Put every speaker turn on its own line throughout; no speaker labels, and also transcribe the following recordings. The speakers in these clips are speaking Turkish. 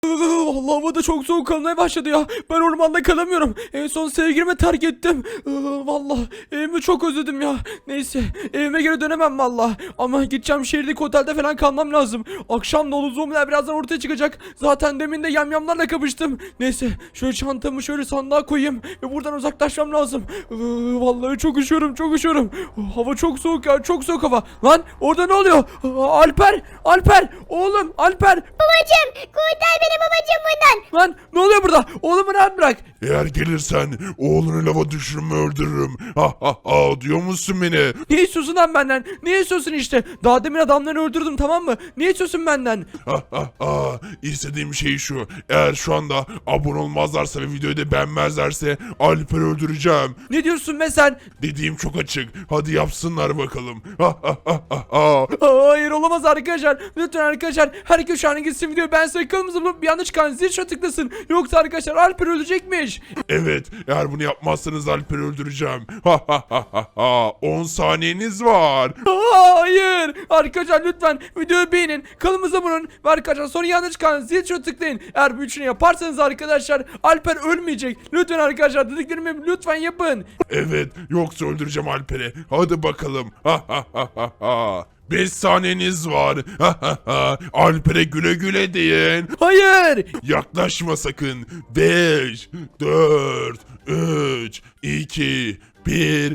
Allah, hava da çok soğuk kalmaya başladı ya. Ben ormanda kalamıyorum. En son sevgilimi terk ettim. Vallahi evimi çok özledim ya. Neyse, evime geri dönemem vallahi. Ama gideceğim, şehirdeki otelde falan kalmam lazım. Akşam dolu zombiler birazdan ortaya çıkacak. Zaten demin de yamyamlarla kapıştım. Neyse, şöyle çantamı şöyle sandığa koyayım ve buradan uzaklaşmam lazım. Vallahi çok üşüyorum, çok üşüyorum. Hava çok soğuk ya, çok soğuk hava. Lan orada ne oluyor? Alper oğlum, Alper.
Babacım kurtar beni babacım bundan.
Lan ne oluyor burada? Oğlumu rahat bırak.
Eğer gelirsen oğlunu lava düşürümü öldürürüm. Ha ha ha, diyor musun beni?
Ne istiyorsun lan benden? Ne istiyorsun işte? Daha demin adamları öldürdüm, tamam mı? Ne istiyorsun benden?
Ha ha ha, istediğim şey şu. Eğer şu anda abone olmazlarsa ve videoyu da beğenmezlerse Alper'i öldüreceğim.
Ne diyorsun be sen?
Dediğim çok açık. Hadi yapsınlar bakalım. Ha ha ha ha ha.
Hayır, olamaz arkadaşlar. Lütfen arkadaşlar, herkes şu an gitsin videoyu beğensin, kanalımıza bulup bir yanlış çıkan zil tuşuna tıklasın. Yoksa arkadaşlar Alper ölecekmiş.
Evet, eğer bunu yapmazsanız Alper'i öldüreceğim. Ha ha ha ha ha. 10 saniyeniz var.
Hayır. Arkadaşlar lütfen videoyu beğenin, kanalımıza abone olun ve arkadaşlar sonra yanlış çıkan zil tuşuna tıklayın. Eğer bu üçünü yaparsanız arkadaşlar Alper ölmeyecek. Lütfen arkadaşlar, dediklerimi lütfen yapın.
Evet, yoksa öldüreceğim Alper'i. Hadi bakalım. Ha ha ha ha ha. 5 saniyeniz var. Ha ha ha. Alper'e güle güle deyin.
Hayır.
Yaklaşma sakın. 5, 4, 3, 2, 1,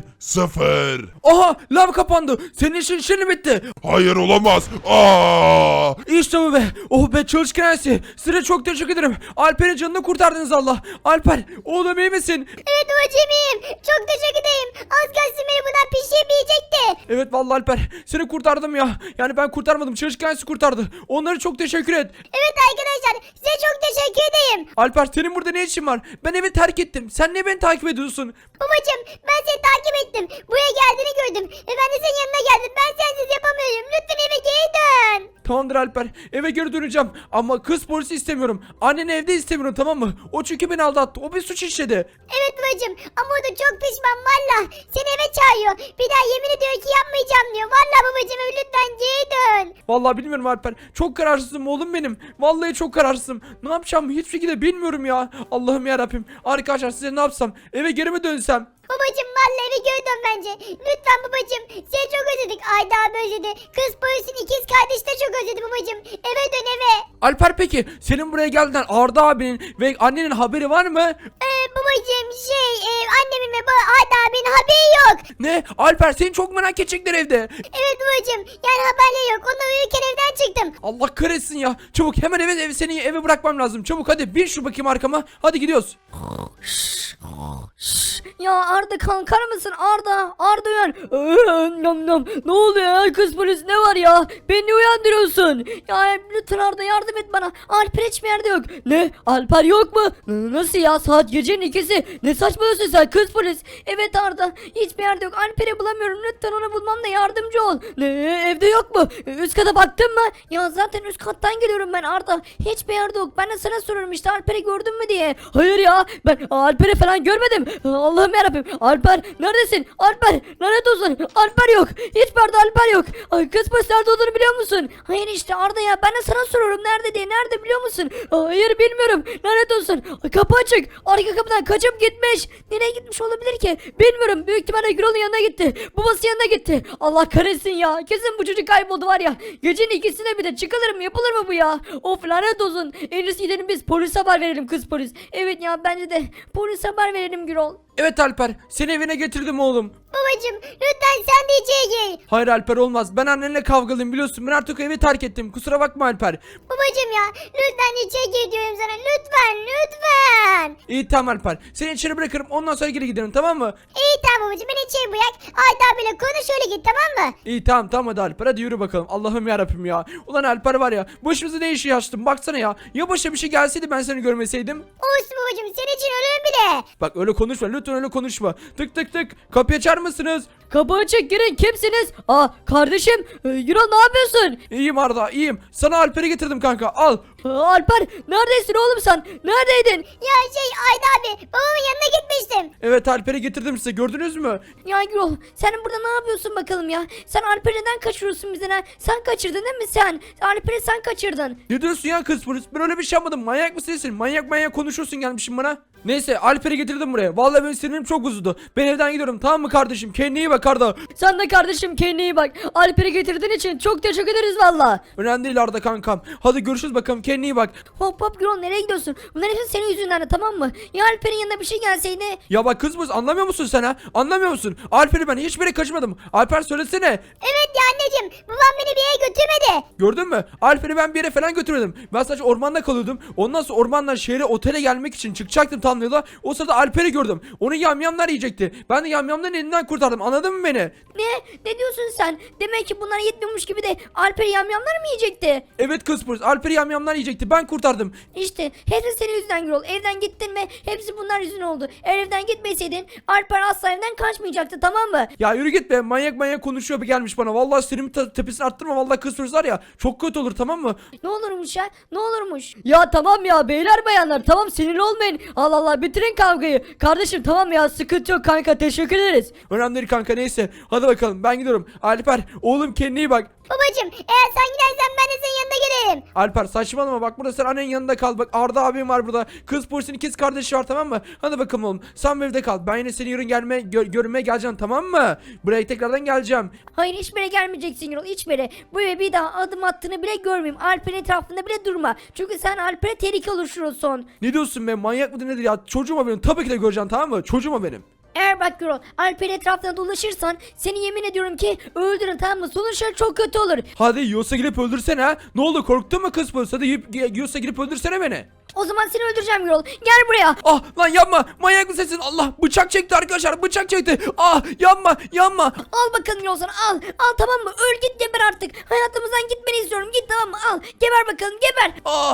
0.
Aha, lav kapandı. Senin işin şimdi bitti.
Hayır, olamaz. Aa!
İşte bu be. Oh be, çalışkan ailesi. Size çok teşekkür ederim. Alper'in canını kurtardınız Allah. Alper, oğlum iyi misin?
Evet babacım iyiyim. Çok teşekkür ederim. Az kalsın beni bundan pişirmeyecekti.
Evet vallahi Alper, seni kurtardım ya. Yani ben kurtarmadım, çalışkan ailesi kurtardı. Onlara çok teşekkür et.
Evet arkadaşlar size çok teşekkür ederim.
Alper, senin burada ne işin var? Ben evi terk ettim. Sen niye beni takip ediyorsun?
Babacım ben seni takip ettim. Buraya geldiğini gördüm. Ben de senin yanına geldim. Ben sensiz yapamıyorum. Lütfen eve geri dön.
Tamamdır Alper, eve geri döneceğim. Ama kız polisi istemiyorum. Anneni evde istemiyorum, tamam mı? O çünkü beni aldattı. O bir suç işledi.
Evet babacım ama o da çok pişman valla. Seni eve çağırıyor. Bir daha yemin ediyor ki yapmayacağım diyor. Valla babacım lütfen geri dön.
Vallahi bilmiyorum Alper. Çok kararsızım oğlum benim. Vallahi çok kararsızım. Ne yapacağım hiçbir şekilde bilmiyorum ya. Allah'ım yarabbim. Arkadaşlar size ne yapsam? Eve geri mi dönsem?
Babacım valla eve geri dön bence. Lütfen babacım. Seni çok özledik. Ayda abi özledi. Kız polisin ikiz kardeşi de çok özledi babacım. Eve dön eve.
Alper, peki senin buraya geldiğinden Arda abinin ve annenin haberi var mı?
Babacım annemin ve Ayda abinin haberi yok.
Ne? Alper, seni çok merak edecekler evde.
Evet babacım. Yani haberleri yok. Onlar uyurken evden çıktım.
Allah kahretsin ya. Çabuk hemen seni eve bırakmam lazım. Çabuk hadi, bin şu bakayım arkama. Hadi gidiyoruz.
Ya Arda kalkar mısın Arda? Arda uyan. Ne oluyor ya, kız polis ne var ya? Beni uyandırıyorsun. Ya lütfen Arda yardım et bana. Alper hiçbir yerde yok. Ne? Alper yok mu? Nasıl ya, saat gecenin 2'si. Ne saçmalıyorsun sen kız polis? Evet Arda, hiçbir yerde yok. Alper'i bulamıyorum, lütfen onu bulmamda yardımcı ol. Ne, evde yok mu? Üst kata baktın mı? Ya zaten üst kattan geliyorum ben Arda. Hiçbir yerde yok. Ben de sana soruyorum işte, Alper'i gördün mü diye. Hayır ya, ben Alper'i falan görmedim. Allah'ım yarabbim. Alper neredesin? Alper lanet olsun. Alper yok. Hiçbir yerde Alper yok. Ay, kız polis nerede olduğunu biliyor musun? Hayır işte Arda ya, ben de sana soruyorum nerede diye. Nerede biliyor musun? Hayır bilmiyorum. Lanet olsun. Ay, kapı açık. Arka kapıdan kaçıp gitmiş. Nereye gitmiş olabilir ki? Bilmiyorum. Büyük ihtimalle Gürol'un yanına gitti. Babası yanına gitti. Allah kahretsin ya. Kesin bu çocuk kayboldu var ya. Gecenin 2'sine bir de çıkılır mı? Yapılır mı bu ya? Of lanet olsun. En iyisi gidelim biz polise haber verelim, kız polis. Evet ya, bence de polise haber verelim Gürol.
Evet Alper, seni evine getirdim oğlum.
Babacım lütfen sen de içeri gir.
Hayır Alper, olmaz. Ben annenle kavgalıyım biliyorsun. Ben artık evi terk ettim. Kusura bakma Alper.
Babacım ya lütfen içeri gir diyorum sana. Lütfen.
İyi tamam Alper. Seni içeri bırakırım, ondan sonra geri giderim, tamam mı?
İyi tamam babacım, beni içeri bırak. Ayda abiyle konuş öyle git, tamam mı?
İyi tamam hadi Alper, hadi yürü bakalım. Allah'ım yarabbim ya. Ulan Alper var ya, başımıza ne işi açtın baksana ya. Ya başa bir şey gelseydi, ben seni görmeseydim.
Olsun babacım, senin için ölürüm bile.
Bak öyle konuşma, lütfen öyle konuşma. Tık tık tık, kapıyı açar mısınız?
Kapı açık, girin, kimsiniz? Kardeşim Gürol ne yapıyorsun?
İyiyim Arda, iyiyim. Sana Alper'i getirdim kanka, al.
Alper neredesin oğlum sen? Neredeydin?
Ya Ayda abi babamın yanına gitmiştim.
Evet Alper'i getirdim size, gördünüz mü?
Ya Gürol sen burada ne yapıyorsun bakalım ya? Sen Alper'i neden kaçırıyorsun bizden ha? Sen kaçırdın değil mi sen? Alper'i sen kaçırdın.
Ne diyorsun ya kız polis? Ben öyle bir şey yapmadım. Manyak mısın sen? Manyak konuşuyorsun gelmişsin bana. Neyse Alper'i getirdim buraya. Vallahi benim sinirim çok bozuldu. Ben evden gidiyorum, tamam mı kardeşim? Kendine iyi bak Arda.
Sen de kardeşim kendine iyi bak. Alper'i getirdiğin için çok teşekkür ederiz valla.
Önemli değil Arda kankam. Hadi görüşürüz bakalım, kendine iyi bak.
Hop Gürol nereye gidiyorsun? Bunlar hepsi senin yüzünden de tamam mı? Ya Alper'in yanına bir şey gelseydi.
Ya bak kız polis, anlamıyor musun sen ha? Anlamıyor musun? Alper'i ben hiçbir yere kaçmadım. Alper söylesene.
Evet ya anneciğim babam beni bir yere götürmedi.
Gördün mü? Alper'i ben bir yere falan götürmedim. Ben sadece ormanda kalıyordum. Ondan sonra ormandan şehre, otele gelmek için çıkacaktım tam yola. O sırada Alper'i gördüm. Onu yamyamlar yiyecekti. Ben de yamyamların elinden kurtardım. Anladın mı beni?
Ne diyorsun sen? Demek ki bunlara yetmiyormuş gibi de Alper'i yamyamlar mı yiyecekti?
Evet kız polis, Alper'i yamyamlar yiyecekti. Ben kurtardım.
İşte hepsi senin yüzünden Gürol. Evden gittin mi? Hepsi bunlar yüzünden oldu. Eğer evden gitmeseydin Alper asla evden kaçmayacaktı tamam mı?
Ya yürü git be, manyak konuşuyor bir gelmiş bana. Vallahi sinirimin tepesini arttırma, vallahi kız polis var ya. Çok kötü olur, tamam mı?
Ne olurmuş ya? Ne olurmuş? Ya tamam ya beyler bayanlar tamam sinirli olmayın. Allah Allah bitirin kavgayı. Kardeşim tamam ya sıkıntı yok kanka teşekkür ederiz.
Önemli değil kanka, neyse. Hadi bakalım, ben gidiyorum. Alper oğlum, kendine iyi bak.
Babacım eğer sen gidersen ben de senin yanına gelirim.
Alper saçmalama, bak burada sen annenin yanında kal. Bak Arda abim var burada. Kız polisin ikiz kardeşi var, tamam mı? Hadi bakalım oğlum, sen bu evde kal. Ben yine seni yarın görmeye geleceğim, tamam mı? Buraya tekrardan geleceğim.
Hayır hiçbir yere gelmeyeceksin Gürol hiçbir yere. Bu eve bir daha adım attığını bile görmeyeyim. Alper'in etrafında bile durma. Çünkü sen Alper'e tehlike oluşturursun.
Ne diyorsun be, manyak mıdır nedir ya? Çocuğuma benim, tabii ki de göreceğim, tamam mı? Çocuğuma benim.
Eğer bak Gürol Alper'in etrafında dolaşırsan seni yemin ediyorum ki öldürün tamam mı? Sonuçları çok kötü olur.
Hadi yiyorsa girip öldürsene ha. Ne oldu, korktun mu kız polis? Hadi yiyorsa girip öldürsene beni.
O zaman seni öldüreceğim Gürol. Gel buraya.
Ah lan yapma, manyak mısın? Allah, bıçak çekti arkadaşlar, bıçak çekti. Ah yapma.
Al bakalım Gürol sana al. Al tamam mı? Öl git geber artık. Hayatımızdan gitmeni istiyorum. Git tamam mı? Al. Geber bakalım geber.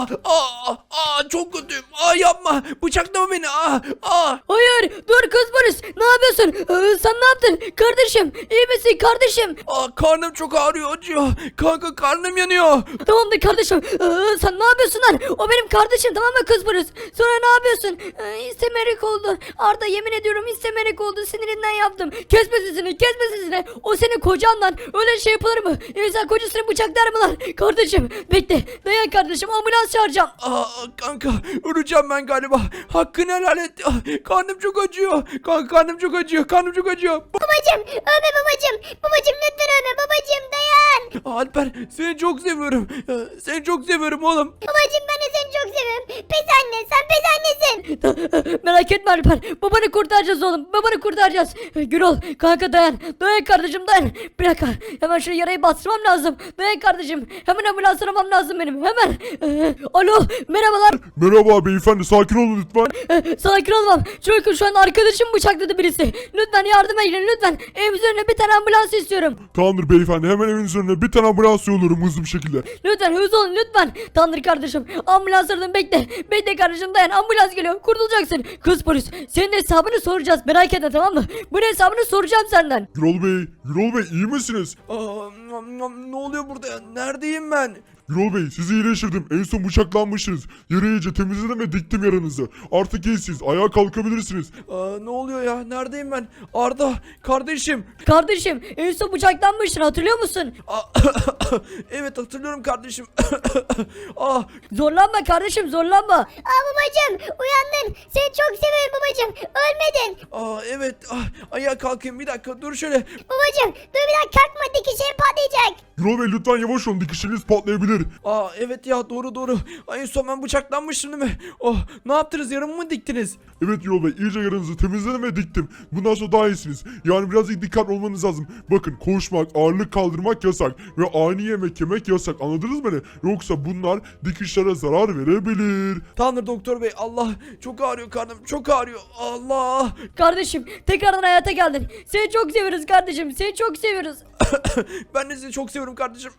Çok kötüyüm. Yapma, bıçaklama beni.
Hayır dur kız polis. Ne yapıyorsun? Sen ne yaptın? Kardeşim iyi misin kardeşim?
Karnım çok ağrıyor, acıyor. Kanka karnım yanıyor.
Tamamdır kardeşim. Sen ne yapıyorsun lan? O benim kardeşim tamam mı kız polis? Sonra ne yapıyorsun? İstemerek oldu. Arda yemin ediyorum istemerek oldu. Sinirinden yaptım. Kesme sesini. O senin kocan lan. Öyle şey yapılır mı? İnsan kocasını bıçaklar mı lan? Kardeşim bekle. Dayan kardeşim ambulans çağıracağım.
Kanka öleceğim ben galiba. Hakkını helal et. Karnım çok acıyor. Kanka karnım çok acıyor.
Babacım ölme babacım. Babacım lütfen ölme babacım dayan.
Alper seni çok seviyorum. Seni çok seviyorum oğlum.
Babacım ben de seni çok seviyorum. Pes anne sen pes annesin.
Merak etme Alper. Babanı kurtaracağız oğlum. Babanı kurtaracağız. Gürol kanka dayan. Dayan kardeşim dayan. Bir dakika. Hemen şu yarayı bastırmam lazım. Dayan kardeşim. Hemen ambulans aramam lazım benim. Hemen. Alo merhabalar.
Merhaba beyefendi, sakin olun lütfen.
Sakin olmam. Çünkü şu an arkadaşım bıçakladı birisi. Lütfen yardıma gelin lütfen. Evimizin önüne bir tane ambulans istiyorum.
Tamamdır beyefendi, hemen evinizin önüne bir tane ambulans yolluyorum hızlı bir şekilde.
Lütfen hızlı olun lütfen. Tanrı kardeşim. Ambulans aradım bekle. Bekle kardeşim dayan. Ambulans geliyor. Kurtulacaksın. Kız polis. Senin hesabını soracağız. Merak etme tamam mı? Bunun hesabını soracağım senden.
Gürol Bey iyi misiniz?
Ne oluyor burada ya? Neredeyim ben?
Gürol Bey sizi iyileştirdim. En son bıçaklanmışsınız. Yarayı iyice temizledim ve diktim yaranızı. Artık iyisiniz. Ayağa kalkabilirsiniz.
Ne oluyor ya? Neredeyim ben? Arda kardeşim.
Kardeşim en son bıçaklanmıştın hatırlıyor musun?
Evet hatırlıyorum kardeşim.
Zorlanma kardeşim zorlanma.
Babacım uyandın. Seni çok seviyorum babacım. Ölmedin.
Evet. Ayağa kalkayım bir dakika, dur şöyle.
Babacım dur bir dakika kalkma dikişlerin patlayacak.
Gürol Bey lütfen yavaş olun. Dikişleriniz patlayabilir.
Evet ya, doğru. En son ben bıçaklanmıştım değil mi? Ne yaptınız, yarımı mı diktiniz?
Evet Gürol Bey iyice yaranızı temizledim ve diktim. Bundan sonra daha iyisiniz. Yani birazcık dikkatli olmanız lazım. Bakın koşmak, ağırlık kaldırmak yasak. Ve ani yemek yemek yasak. Anladınız beni? Yoksa bunlar dikişlere zarar verebilir.
Tanrı doktor bey, Allah çok ağrıyor, karnım çok ağrıyor. Allah.
Kardeşim tekrardan hayata geldin. Seni çok seviyoruz kardeşim. Seni çok seviyoruz.
Ben de sizi çok seviyorum kardeşim.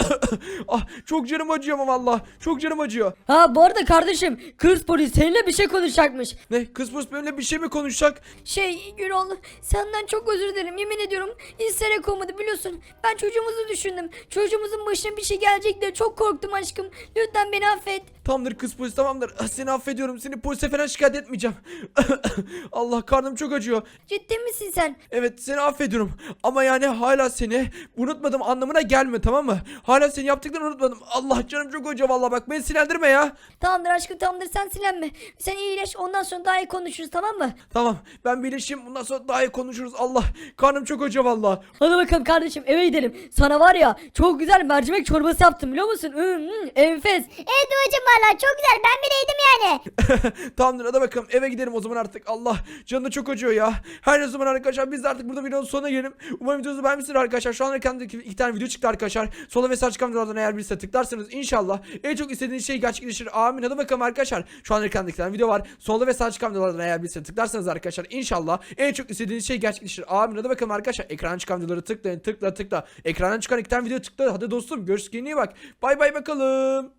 Çok canım acıyor ama valla. Çok canım acıyor.
Ha bu arada kardeşim kız polis seninle bir şey konuşacakmış.
Ne? Kız polis benimle bir şey mi konuşacak?
Gürol, senden çok özür dilerim, yemin ediyorum. İsterek olmadı, biliyorsun. Ben çocuğumuzu düşündüm. Çocuğumuzun başına bir şey gelecek diye çok korktum aşkım. Lütfen beni affet.
Tamamdır kız polis, tamamdır. Seni affediyorum. Seni polise falan şikayet etmeyeceğim. Allah, karnım çok acıyor.
Ciddi misin sen?
Evet, seni affediyorum. Ama yani hala seni unutmadım anlamına gelme, tamam mı? Hala seni yaptıklarını unutmadım. Allah, canım çok acıyor vallahi, bak beni sinirlendirme ya.
Tamamdır aşkım, tamamdır, sen silenme. Sen iyileş, ondan sonra daha iyi konuşuruz, tamam mı?
Tamam, ben birleşeyim, bundan sonra daha iyi konuşuruz. Allah, karnım çok acıyor vallahi.
Hadi bakalım kardeşim, eve gidelim. Sana var ya, çok güzel mercimek çorbası yaptım, biliyor musun? Enfes.
Evet babacım valla çok güzel. Ben bile yedim yani.
Tamamdır, hadi bakalım eve gidelim o zaman artık. Allah, canım çok acıyor ya. Her ne zaman arkadaşlar, biz de artık burada videonun sonuna gelelim. Umarım videonuzu beğenmişsiniz arkadaşlar. Şu an ekranda iki tane video çıktı arkadaşlar. Sola ve sağ çıkan videolardan eğer birisi tıklarsanız inşallah en çok istediğiniz şey gerçekleşir. Amin. Hadi bakalım arkadaşlar. Şu an ekranda iki tane video var. Solda ve sağ çıkan videolardan eğer birisi tıklarsanız arkadaşlar inşallah en çok istediğiniz şey gerçekleşir. Amin. Hadi bakalım arkadaşlar. Ekrana çıkan videoları tıklayın. Tıkla. Ekrandan çıkan iki tane video tıkla. Hadi dostum, görüşürüz. Kendine iyi bak. Bay bay bakalım.